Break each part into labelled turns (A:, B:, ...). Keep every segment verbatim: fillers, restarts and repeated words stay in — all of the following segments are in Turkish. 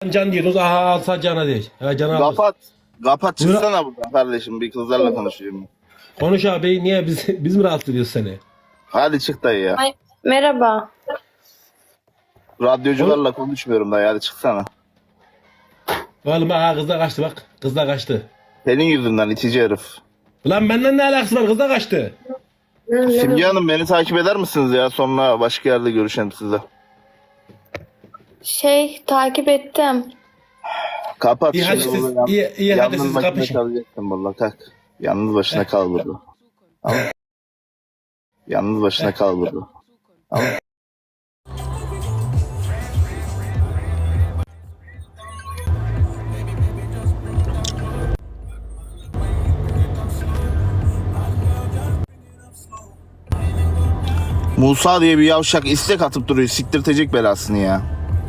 A: Can diyorsunuz. Aha alsa cana değil. Ha, cana alır.
B: Kapat. Kapat
A: Buyur.
B: çıksana buradan kardeşim. Bir kızlarla konuşuyorum.
A: Konuş abi. Niye biz biz mi rahatsız ediyoruz seni?
B: Hadi çık dayı ya.
C: Ay, merhaba.
B: Radyocularla konuşmuyorum dayı. Hadi çıksana.
A: Oğlum ha kız da kaçtı bak. Kız da kaçtı.
B: Senin yüzünden itici herif.
A: Ulan benden ne alakası var? Kız da kaçtı.
B: Simge Hanım beni takip eder misiniz ya? Sonra başka yerde görüşelim size.
C: Şey takip ettim.
B: Kapat.
A: İyi, hadi
B: şimdi
A: siz-
B: bunu yan-
A: iyi- iyi, hadi
B: yalnız
A: siz
B: başına
A: kapışın.
B: kalacaksın valla kalk. Yalnız başına kal burada. Tamam. Yalnız başına kal burada. Tamam. Musa diye bir yavşak istek atıp duruyor. Siktirtecek belasını ya.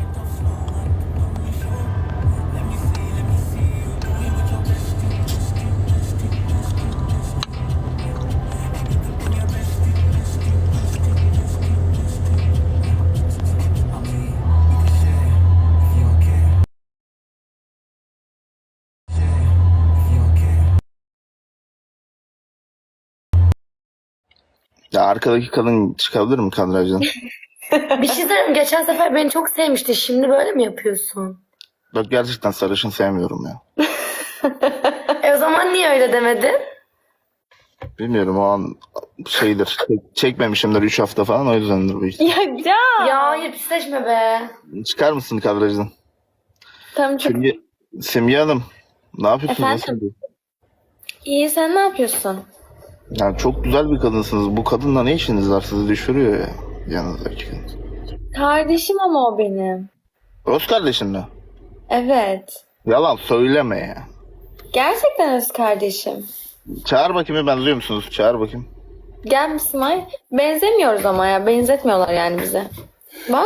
B: Ya arkadaki kadın çıkabilir mi kadrajdan?
D: Bir şey söyleyeyim. Geçen sefer beni çok sevmişti. Şimdi böyle mi yapıyorsun?
B: Bak gerçekten sarışın sevmiyorum ya.
D: E o zaman niye öyle demedin?
B: Bilmiyorum o an şeydir. Çek- çekmemişimdir üç hafta falan o yüzdendir bu işte.
C: Ya Can.
D: Ya hayır pisleşme be.
B: Çıkar mısın kadrajdan?
C: Tamam çok
B: Simge, Simge Hanım ne yapıyorsunuz?
C: Efendim?
B: Nasıl gidiyor?
C: iyi, sen ne yapıyorsun?
B: Yani çok güzel bir kadınsınız. Bu kadınla ne işiniz var? Sizi düşürüyor ya. Yanınızdaki kadın.
C: Kardeşim ama o benim.
B: Öz kardeşin mi?
C: Evet.
B: Yalan söyleme ya.
C: Gerçekten öz kardeşim.
B: Çağır bakayım benziyor musunuz? Çağır bakayım.
C: Gel Mismay. Benzemiyoruz ama ya. Benzetmiyorlar yani bize. Bak.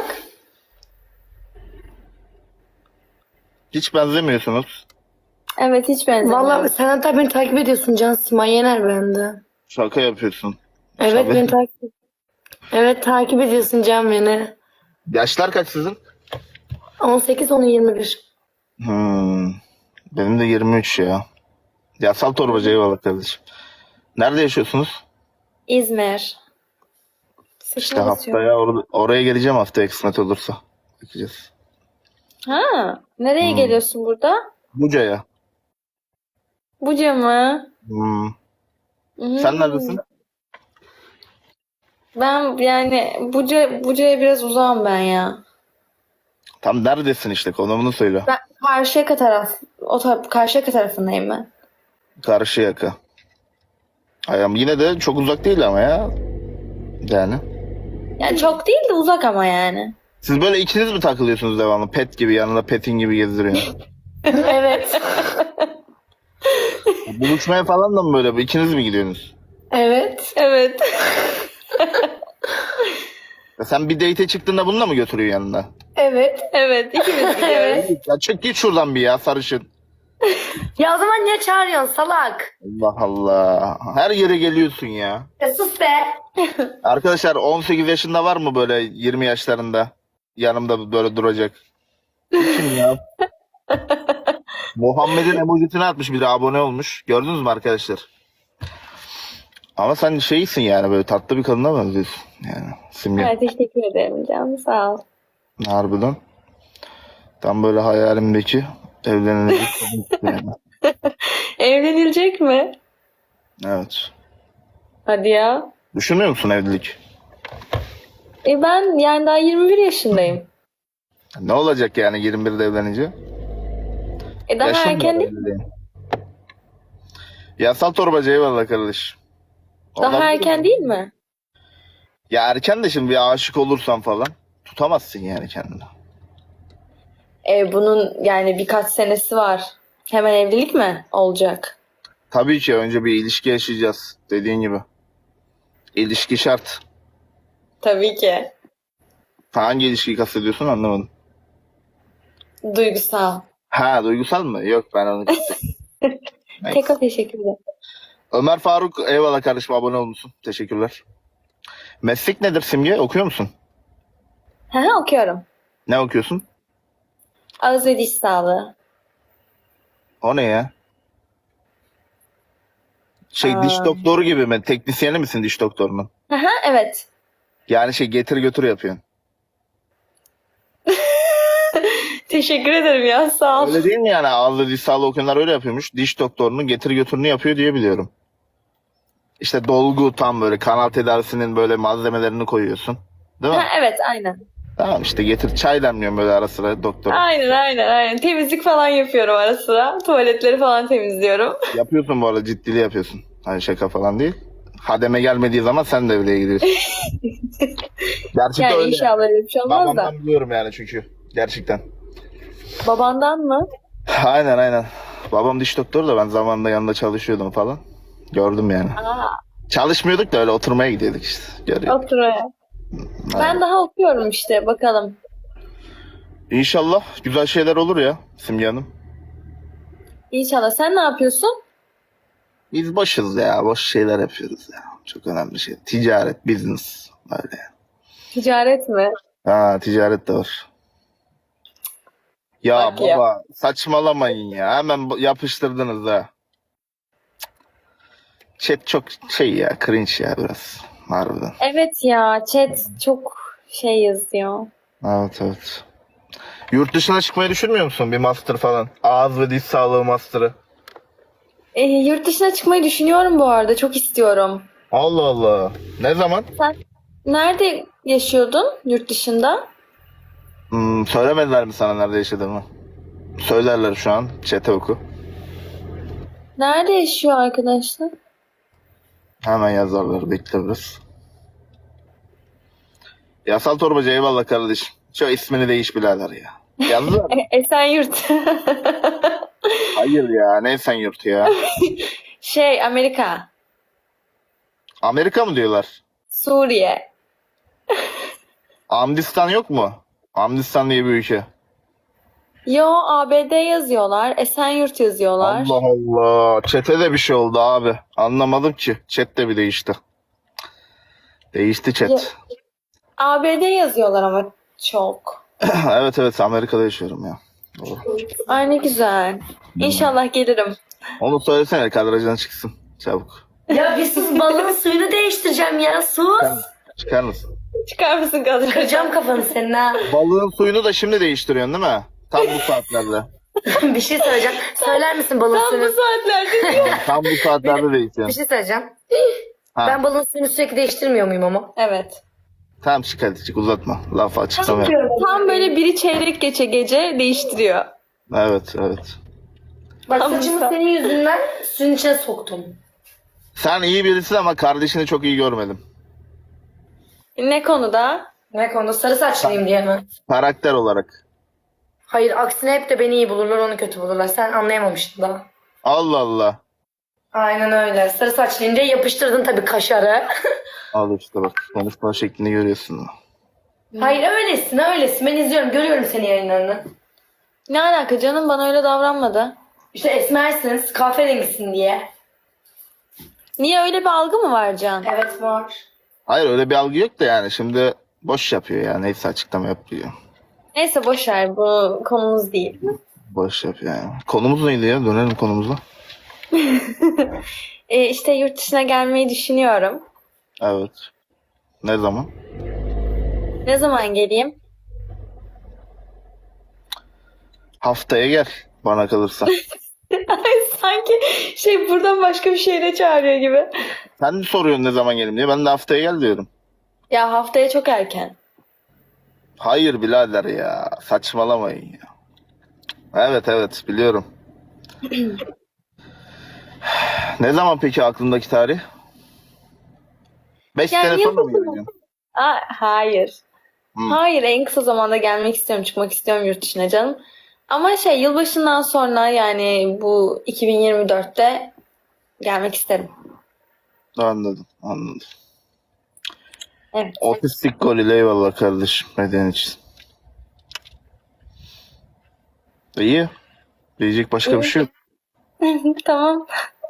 B: Hiç benzemiyorsunuz.
C: Evet hiç benzemiyoruz.
D: Vallahi sen hatta beni takip ediyorsun Can. Simay Yener bende.
B: Şaka yapıyorsun.
D: Evet
B: Tabii.
D: beni takip Evet takip ediyorsun Can beni.
B: Yaşlar kaç sizin?
D: on sekiz onu yirmi bir.
B: Hmm. Benim de yirmi üç ya. Yasal torbacı eyvallah kardeşim. Nerede yaşıyorsunuz?
C: İzmir.
B: İşte haftaya or- oraya geleceğim haftaya kısmet olursa. Bakacağız.
C: Ha, nereye
B: Hmm.
C: geliyorsun burada?
B: Buca'ya.
C: Buca mı?
B: Hmm.
C: Hmm.
B: Sen neredesin?
C: Ben yani Buca, Buca'ya biraz uzağım ben ya.
B: Tam neredesin işte konumunu söyle.
C: Ben Karşıyaka taraf, o taraf, Karşıyaka tarafındayım ben.
B: Karşıyaka. Ay ama yine de çok uzak değil ama ya. Yani.
C: Yani çok değil de uzak ama yani.
B: Siz böyle ikiniz mi takılıyorsunuz devamlı? Pet gibi yanında petin gibi gezdiriyor.
D: Evet.
B: Buluşmaya falan da mı böyle? İkiniz mi gidiyorsunuz?
D: Evet.
C: Evet.
B: Ya sen bir date'e çıktığında bunu da mı götürüyor yanında?
D: Evet.
C: Evet, ikimiz gidiyoruz.
B: Ya çık git şuradan bir ya sarışın.
D: Ya o zaman niye çağırıyorsun salak?
B: Allah Allah. Her yere geliyorsun ya.
D: Ya sus be.
B: Arkadaşlar on sekiz yaşında var mı böyle yirmi yaşlarında yanımda böyle duracak? Kim ya? Muhammed'in emojisini atmış bir de abone olmuş. Gördünüz mü arkadaşlar? Ama sen şeysin yani böyle tatlı bir kadına benziyorsun. Yani Simge.
C: Evet, teşekkür ederim canım, sağ ol.
B: Harbiden. Tam böyle hayalimdeki evlenilecek kadın yani.
C: Evlenilecek mi?
B: Evet.
C: Hadi ya.
B: Düşünmüyor musun evlilik?
C: E ben yani daha yirmi bir yaşındayım.
B: Ne olacak yani yirmi birde evlenince?
C: E daha
B: Yaşın
C: erken
B: var
C: değil.
B: evliliğin. Yasal torbacı eyvallah kardeş.
C: Daha
B: Olabilir
C: erken
B: mi?
C: değil mi?
B: Ya erken de şimdi bir aşık olursan falan tutamazsın yani kendini.
C: E bunun yani birkaç senesi var. Hemen evlilik mi olacak?
B: Tabii ki önce bir ilişki yaşayacağız dediğin gibi. İlişki şart.
C: Tabii ki.
B: Hangi ilişkiyi kastediyorsun anlamadım.
C: Duygusal.
B: Ha duygusal mı? Yok ben onu kastediyorum. Neyse.
C: Tekrar teşekkür ederim.
B: Ömer Faruk eyvallah kardeşim abone olmuşsun. Teşekkürler. Meslek nedir Simge? Okuyor musun?
C: Hı hı, okuyorum.
B: Ne okuyorsun?
C: Ağız ve diş sağlığı.
B: O ne ya? Şey diş
C: Aa.
B: doktoru gibi mi? Teknisyeni misin diş doktorunun?
C: Aha, evet.
B: Yani şey getir götür yapıyorsun.
C: Teşekkür ederim ya, sağ ol.
B: Öyle değil mi yani? Ağızlı diş sağlığı okuyanlar öyle yapıyormuş. Diş doktorunun getir götürünü yapıyor diye biliyorum. İşte dolgu tam böyle kanal tedavisinin böyle malzemelerini koyuyorsun. Değil mi?
C: Ha, evet, aynen.
B: Tamam işte getir çay demliyorum böyle ara sıra doktora.
C: Aynen aynen aynen. Temizlik falan yapıyorum ara sıra. Tuvaletleri falan temizliyorum.
B: Yapıyorsun bu arada ciddili yapıyorsun. Hani şaka falan değil. Hademe gelmediği zaman sen devreye giriyorsun. Gerçekten
C: Yani
B: öyle.
C: inşallah öyle bir şey olmaz da.
B: Babamdan biliyorum yani çünkü. Gerçekten.
C: Babandan mı?
B: Aynen aynen. Babam diş doktoru da ben zamanında yanında çalışıyordum falan. Gördüm yani.
C: Aa,
B: Çalışmıyorduk da öyle oturmaya gidiyorduk işte. Görüyorum.
C: otur oraya. Ben daha okuyorum işte, bakalım.
B: İnşallah güzel şeyler olur ya Simge Hanım.
C: İnşallah. Sen ne yapıyorsun?
B: Biz boşuz ya. Boş şeyler yapıyoruz ya. Çok önemli şey. Ticaret, business. Öyle.
C: Ticaret mi?
B: Ha ticaret de var. Ya
C: Bak ya.
B: baba saçmalamayın ya. Hemen bu- yapıştırdınız ha. Chat çok şey ya cringe ya biraz. Harbiden.
C: Evet ya, chat çok şey yazıyor.
B: Evet evet. Yurt dışına çıkmayı düşünmüyor musun? Bir master falan. Ağız ve diş sağlığı master'ı.
C: Ee, yurt dışına çıkmayı düşünüyorum bu arada. Çok istiyorum.
B: Allah Allah. Ne zaman?
C: Sen nerede yaşıyordun yurt dışında?
B: Hmm, söylemediler mi sana nerede yaşadığımı? Söylerler şu an. Chat'e oku.
C: Nerede yaşıyor arkadaşlar?
B: Hemen yazarlar. Bekle biraz. Yasal torbacı eyvallah kardeşim. Şu ismini değiş birader ya. Yazdılar mı?
C: E- Esenyurt.
B: Hayır ya. Ne sen yurt ya?
C: Şey, Amerika.
B: Amerika mı diyorlar?
C: Suriye.
B: Amdistan yok mu? Amdistan diye bir ülke.
C: Yo, A B D yazıyorlar. Esenyurt yazıyorlar.
B: Allah Allah. Chat'e de bir şey oldu abi. Anlamadım ki. Chat de bir değişti. Değişti chat.
C: A B D yazıyorlar ama çok.
B: Evet evet Amerika'da yaşıyorum ya. Doğru.
C: Ay ne güzel. İnşallah gelirim.
B: Onu söylesene kadrajdan çıksın. Çabuk.
D: Ya bir sus, balığın suyunu değiştireceğim ya, sus.
B: Çıkar mısın?
C: Çıkar mısın kadın?
D: Kıracağım kafanı senin ha.
B: Balığın suyunu da şimdi değiştiriyorsun değil mi? Tam bu saatlerde.
D: Bir şey söyleyeceğim. Söyler misin balığın
C: Tam bu
D: suyunu?
C: saatlerde diyor.
B: Tam bu saatlerde
D: Bir
B: değiştiriyorsun.
D: şey söyleyeceğim.
B: Ha.
D: Ben balığın suyunu sürekli değiştirmiyor muyum ama?
C: Evet.
B: Tamam çık hadi çık uzatma. Laf açıklama yap.
C: Tam böyle biri çeyrek geçe gece değiştiriyor.
B: Evet evet.
D: Bak
C: Tamam.
D: saçımı senin yüzünden suyun içine soktum.
B: Sen iyi birisin ama kardeşini çok iyi görmedim.
C: Ne konuda?
D: Ne konuda, sarı saçlıyım diye mi?
B: Karakter olarak.
D: Hayır, aksine hep de beni iyi bulurlar, onu kötü bulurlar. Sen anlayamamıştın daha.
B: Allah Allah.
D: Aynen öyle. Sarı saçlıyım diye yapıştırdın tabii kaşarı.
B: Al işte bak konuşma şeklini görüyorsun.
D: Hayır, öylesin öylesin. Ben izliyorum, görüyorum senin yayınlarını.
C: Ne alaka canım, bana öyle davranmadı.
D: İşte esmersin, kahverengisin diye.
C: Niye, öyle bir algı mı var Can?
D: Evet, var.
B: Hayır öyle bir algı yok da yani şimdi boş yapıyor yani neyse açıklama yapıyor.
C: Neyse boş ver, bu konumuz değil.
B: Boş yapıyor yani. Konumuz neydi ya? Dönelim konumuza.
C: Ee, işte yurt dışına gelmeyi düşünüyorum.
B: Evet. Ne zaman?
C: Ne zaman geleyim?
B: Haftaya gel bana kalırsa.
C: Ay, sanki şey buradan başka bir şehre çağırıyor gibi.
B: Sen de soruyorsun ne zaman gelim diye. Ben de haftaya gel diyorum.
C: Ya haftaya çok erken.
B: Hayır birader ya. Saçmalamayın ya. Evet evet biliyorum. Ne zaman peki aklındaki tarih? Beş
C: Yani
B: sene sonra mı
C: yılbaşı mı?
B: geleceksin?
C: Aa, hayır.
B: Hı.
C: Hayır, en kısa zamanda gelmek istiyorum, çıkmak istiyorum yurt dışına canım. Ama şey, yılbaşından sonra, yani bu iki bin yirmi dörtte gelmek isterim.
B: Anladım anladım.
C: Evet.
B: Otistik goril eyvallah kardeşim. Neden için? İyi. Diyecek başka bir şey yok.
C: Tamam.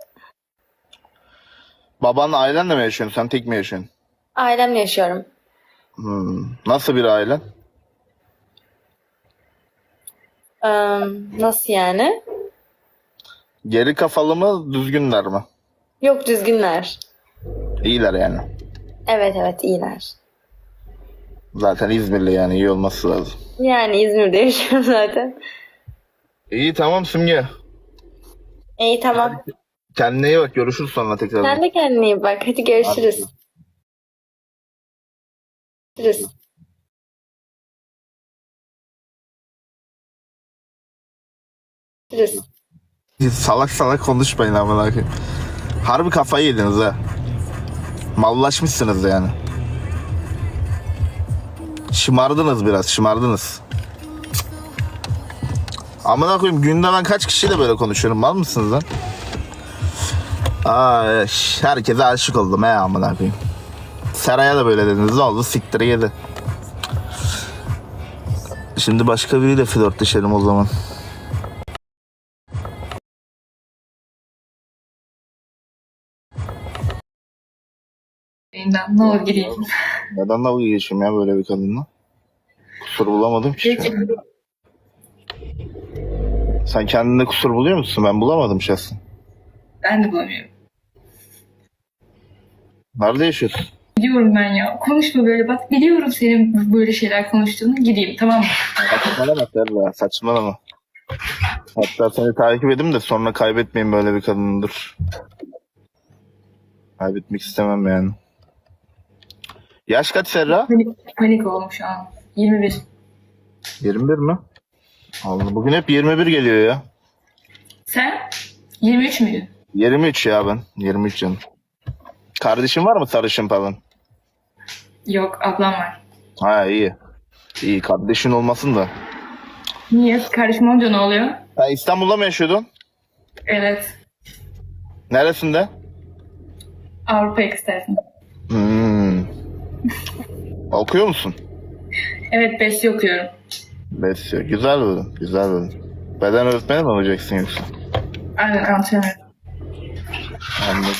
B: Babanla ailenle mi yaşıyorsun? Sen tek mi yaşıyorsun?
C: Ailemle yaşıyorum.
B: Hmm. Nasıl bir ailen?
C: Ee, nasıl yani?
B: Geri kafalı mı, düzgünler mi?
C: Yok, düzgünler.
B: İyiler yani.
C: Evet evet, iyiler.
B: Zaten İzmirli, yani iyi olması lazım.
C: Yani İzmir'de yaşıyorum zaten.
B: İyi, tamam Simge.
C: İyi, tamam.
B: Kendine iyi bak, görüşürüz sonra tekrar.
C: Sen de kendine iyi bak. Hadi görüşürüz. Görüşürüz. Görüşürüz.
B: Siz salak salak konuşmayın amına koyayım. Harbi kafayı yediniz ha. Mallaşmışsınız yani. Şımardınız biraz, şımardınız. Amına koyayım, günde ben kaç kişiyle böyle konuşuyorum, mal mısınız lan? Ay, herkese aşık oldum he amına koyayım. Seray'a da böyle dediniz, ne oldu, siktir yedi. Şimdi başka biriyle flörtleşelim o zaman.
E: Elinden ne olur gireyim.
B: Neden dalga geçeyim ya böyle bir kadınla? Kusur bulamadım ki.
E: Gerçekten.
B: Sen kendinde kusur buluyor musun? Ben bulamadım şahsen.
E: Ben de bulamıyorum.
B: Nerede yaşıyorsun?
E: Biliyorum ben ya. Konuşma böyle bak. Biliyorum senin böyle şeyler konuştuğunu. Gideyim tamam mı?
B: Saçmalama Serra, saçmalama. Hatta seni takip edeyim de sonra kaybetmeyin böyle bir kadındır. Kaybetmek istemem yani. Yaş kaç Serra?
E: Panik, panik oldum şu an. yirmi bir.
B: yirmi bir mi? Allah, bugün hep yirmi bir geliyor ya.
E: Sen? yirmi üç müydün?
B: yirmi üç ya ben. yirmi üç canım. Kardeşin var mı sarışın falan?
E: Yok ablam var.
B: Ha iyi. İyi, kardeşin olmasın da.
E: Niye? Kardeşim olunca ne oluyor?
B: Sen İstanbul'da mı yaşıyordun?
E: Evet.
B: Neresinde?
E: Avrupa yakası tarafında.
B: Hmm. Okuyor musun?
E: Evet besli okuyorum.
B: Besliyor. Güzel bölüm. Güzel bölüm. Beden öğretmeni mi olacaksın yoksa?
E: Aynen antrenör.
B: Anladım.